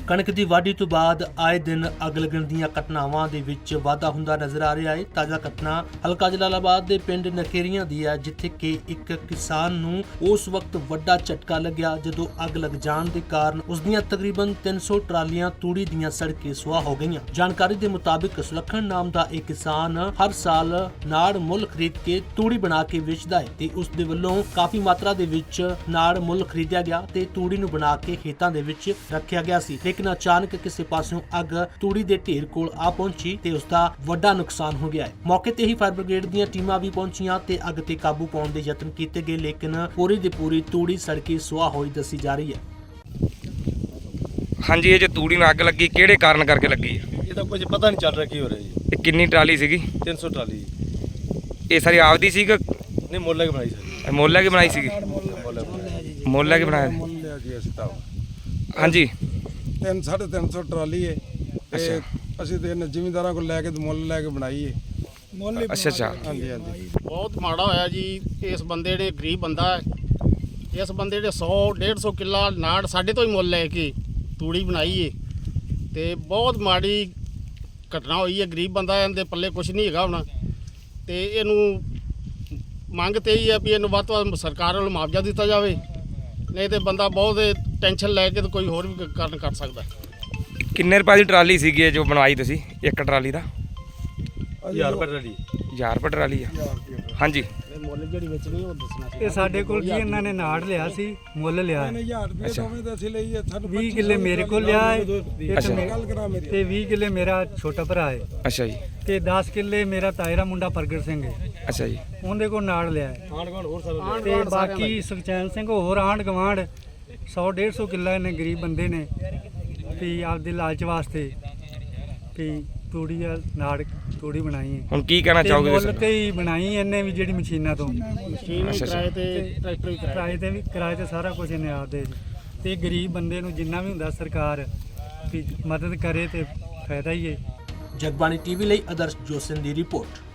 ਕਣਕ ਦੀ ਵਾਢੀ ਤੋਂ ਬਾਅਦ ਆਏ ਦਿਨ ਅੱਗ ਲੱਗਣ ਦੀਆਂ ਘਟਨਾਵਾਂ ਦੇ ਵਿੱਚ ਵਾਧਾ ਹੁੰਦਾ ਨਜ਼ਰ ਆ ਰਿਹਾ ਹੈ। ਤਾਜ਼ਾ ਘਟਨਾ ਹਲਕਾ ਜਲਾਲਾਬਾਦ ਦੇ ਪਿੰਡ ਨਖੇਰੀਆਂ ਦੀ ਹੈ, ਜਿੱਥੇ ਕਿ ਇੱਕ ਕਿਸਾਨ ਨੂੰ ਉਸ ਵਕਤ ਵੱਡਾ ਝਟਕਾ ਲੱਗਿਆ ਜਦੋਂ ਅੱਗ ਲੱਗ ਜਾਣ ਦੇ ਕਾਰਨ ਉਸ ਦੀਆਂ ਤਕਰੀਬਨ 300 ਟਰਾਲੀਆਂ ਤੂੜੀ ਦੀਆਂ ਸੜ ਕੇ ਸੁਆਹ ਹੋ ਗਈਆਂ। ਜਾਣਕਾਰੀ ਦੇ ਮੁਤਾਬਿਕ ਸੁਲੱਖਣ ਨਾਮ ਦਾ ਇਹ ਕਿਸਾਨ ਹਰ ਸਾਲ ਨਾੜ ਮੁੱਲ ਖਰੀਦ ਕੇ ਤੂੜੀ ਬਣਾ ਕੇ ਵੇਚਦਾ ਹੈ ਤੇ ਉਸ ਦੇ ਵੱਲੋਂ ਕਾਫੀ ਮਾਤਰਾ ਦੇ ਵਿੱਚ ਨਾੜ ਮੁੱਲ ਖਰੀਦਿਆ ਗਿਆ ਤੇ ਤੂੜੀ ਨੂੰ ਬਣਾ ਕੇ ਖੇਤਾਂ ਦੇ ਵਿੱਚ ਰੱਖਿਆ ਗਿਆ ਸੀ। ਲੇਕਿਨ ਅਚਾਨਕ ਕਿਸੇ ਪਾਸਿਓਂ ਅੱਗ ਤੂੜੀ ਦੇ ਢੇਰ ਕੋਲ ਆ ਪਹੁੰਚੀ ਤੇ ਉਸ ਦਾ ਵੱਡਾ ਨੁਕਸਾਨ ਹੋ ਗਿਆ ਹੈ। ਮੌਕੇ ਤੇ ਹੀ ਫਾਇਰ ਬ੍ਰਿਗੇਡ ਦੀਆਂ ਟੀਮਾਂ ਵੀ ਪਹੁੰਚੀਆਂ ਤੇ ਅੱਗ ਤੇ ਕਾਬੂ ਪਾਉਣ ਦੇ ਯਤਨ ਕੀਤੇ ਗਏ, ਲੇਕਿਨ ਪੂਰੀ ਦੀ ਪੂਰੀ ਤੂੜੀ ਸੜ ਕੇ ਸੁਆਹ ਹੋਈ ਦੱਸੀ ਜਾ ਰਹੀ ਹੈ। ਹਾਂਜੀ, ਇਹ ਜੇ ਤੂੜੀ ਨੂੰ ਅੱਗ ਲੱਗੀ ਕਿਹੜੇ ਕਾਰਨ ਕਰਕੇ ਲੱਗੀ ਹੈ? ਇਹ ਤਾਂ ਕੁਝ ਪਤਾ ਨਹੀਂ ਚੱਲ ਰਿਹਾ ਕੀ ਹੋ ਰਿਹਾ ਜੀ। ਇਹ ਕਿੰਨੀ ਟਰਾਲੀ ਸੀਗੀ? 300 ਟਰਾਲੀ ਇਹ ਸਾਰੀ ਆਪਦੀ ਸੀ ਕਿ ਨਹੀਂ ਮੁੱਲ ਲੈ ਕੇ ਬਣਾਈ ਸਰ। ਮੁੱਲ ਲੈ ਕੇ ਬਣਾਈ ਸੀਗੀ? ਮੁੱਲ ਲੈ ਕੇ ਬਣਾਇਆ। ਮੁੱਲ ਲਿਆ ਜੀ ਅਸੀਂ ਤਾਂ ਹਾਂਜੀ 350 ਟਰਾਲੀ ਹੈ ਤੇ ਅਸੀਂ ਤੇ ਜ਼ਿਮੀਂਦਾਰਾਂ ਕੋਲ ਲੈ ਕੇ ਮੁੱਲ ਲੈ ਕੇ ਬਣਾਈ ਹੈ। ਅੱਛਾ ਹਾਂਜੀ ਹਾਂਜੀ ਬਹੁਤ ਮਾੜਾ ਹੋਇਆ ਜੀ। ਇਸ ਬੰਦੇ ਨੇ ਗਰੀਬ ਬੰਦਾ ਹੈ, ਇਸ ਬੰਦੇ ਨੇ 100-150 ਕਿੱਲਾ ਨਾੜ ਸਾਡੇ ਤੋਂ ਹੀ ਮੁੱਲ ਲੈ ਕੇ ਤੂੜੀ ਬਣਾਈ ਏ ਤੇ ਬਹੁਤ ਮਾੜੀ ਘਟਨਾ ਹੋਈ ਹੈ। ਗਰੀਬ ਬੰਦਾ, ਇਹਦੇ ਪੱਲੇ ਕੁਝ ਨਹੀਂ ਹੈਗਾ ਹੁਣ ਤੇ ਇਹਨੂੰ ਮੰਗ ਤੇ ਹੀ ਹੈ ਵੀ ਇਹਨੂੰ ਵੱਧ ਤੋਂ ਵੱਧ ਸਰਕਾਰ ਵੱਲੋਂ ਮੁਆਵਜ਼ਾ ਦਿੱਤਾ ਜਾਵੇ, ਨਹੀਂ ਤੇ ਬੰਦਾ ਬਹੁਤ ਟੈਨਸ਼ਨ ਲੈ ਕੇ ਤੇ ਕੋਈ ਹੋਰ ਵੀ ਕਾਰਨ ਕਰ ਸਕਦਾ। ਕਿੰਨੇ ਰੁਪਏ ਦੀ ਟਰਾਲੀ ਸੀਗੀ ਇਹ ਜੋ ਬਣਵਾਈ ਤੁਸੀਂ? ਇੱਕ ਟਰਾਲੀ ਦਾ 1000 ਰੁਪਏ ਟਰਾਲੀ। 1000 ਰੁਪਏ ਟਰਾਲੀ ਆ? ਹਾਂਜੀ। ਮੁੱਲ ਜਿਹੜੀ ਵੇਚਣੀ ਉਹ ਦੱਸਣਾ ਸੀ। ਇਹ ਸਾਡੇ ਕੋਲ ਜੀ ਇਹਨਾਂ ਨੇ ਨਾੜ ਲਿਆ ਸੀ, ਮੁੱਲ ਲਿਆ ਹੈ। 1000 ਰੁਪਏ ਦੋਵੇਂ ਤਾਂ ਅਸੀਂ ਲਈ ਹੈ। ਸਾਨੂੰ 20 ਕਿੱਲੇ ਮੇਰੇ ਕੋਲ ਲਿਆ ਹੈ ਅੱਛਾ। ਗੱਲ ਕਰਾ ਮੇਰੀ ਤੇ 20 ਕਿੱਲੇ ਮੇਰਾ ਛੋਟਾ ਭਰਾ ਹੈ ਅੱਛਾ ਜੀ। ਤੇ 10 ਕਿੱਲੇ ਮੇਰਾ ਤਾਇਰਾ ਮੁੰਡਾ ਪ੍ਰਗਟ ਸਿੰਘ ਹੈ, ਅੱਛਾ ਜੀ। ਉਹਦੇ ਕੋਲ ਨਾੜ ਲਿਆ ਹੈ। ਆਂਢ-ਗੁਆਂਢ ਹੋਰ ਸਾਰੇ ਤੇ ਬਾਕੀ ਸੁਖਚੈਨ ਸਿੰਘ ਹੋਰ ਆਂਢ ਗਵਾਂਢ 100-150 ਕਿੱਲਾ ਇਹਨੇ ਗਰੀਬ ਬੰਦੇ ਨੇ ਵੀ ਆਪਦੇ ਲਾਲਚ ਵਾਸਤੇ ਵੀ ਤੂੜੀ ਆ ਨਾੜ ਤੂੜੀ ਬਣਾਈ ਹੈ। ਹੁਣ ਕੀ ਕਹਿਣਾ ਤੇ ਚਾਹੋਗੇ? ਮੁੱਲ ਤੇ ਹੀ ਬਣਾਈ ਇਹਨੇ ਵੀ ਜਿਹੜੀ ਮਸ਼ੀਨਾਂ ਤੋਂ ਮਸ਼ੀਨ ਵੀ ਕਿਰਾਏ ਤੇ, ਟਰੈਕਟਰ ਵੀ ਕਿਰਾਏ ਕਿਰਾਏ ਤੇ ਸਾਰਾ ਕੁਝ ਇਹਨੇ ਆਪਦੇ ਤੇ ਗਰੀਬ ਬੰਦੇ ਨੂੰ ਜਿੰਨਾ ਵੀ ਹੁੰਦਾ ਸਰਕਾਰ ਵੀ ਮਦਦ ਕਰੇ ਤੇ ਫਾਇਦਾ ਹੀ ਹੈ। ਜਗਬਾਣੀ ਟੀਵੀ ਲਈ ਆਦਰਸ਼ ਜੋਸਨ ਦੀ ਰਿਪੋਰਟ।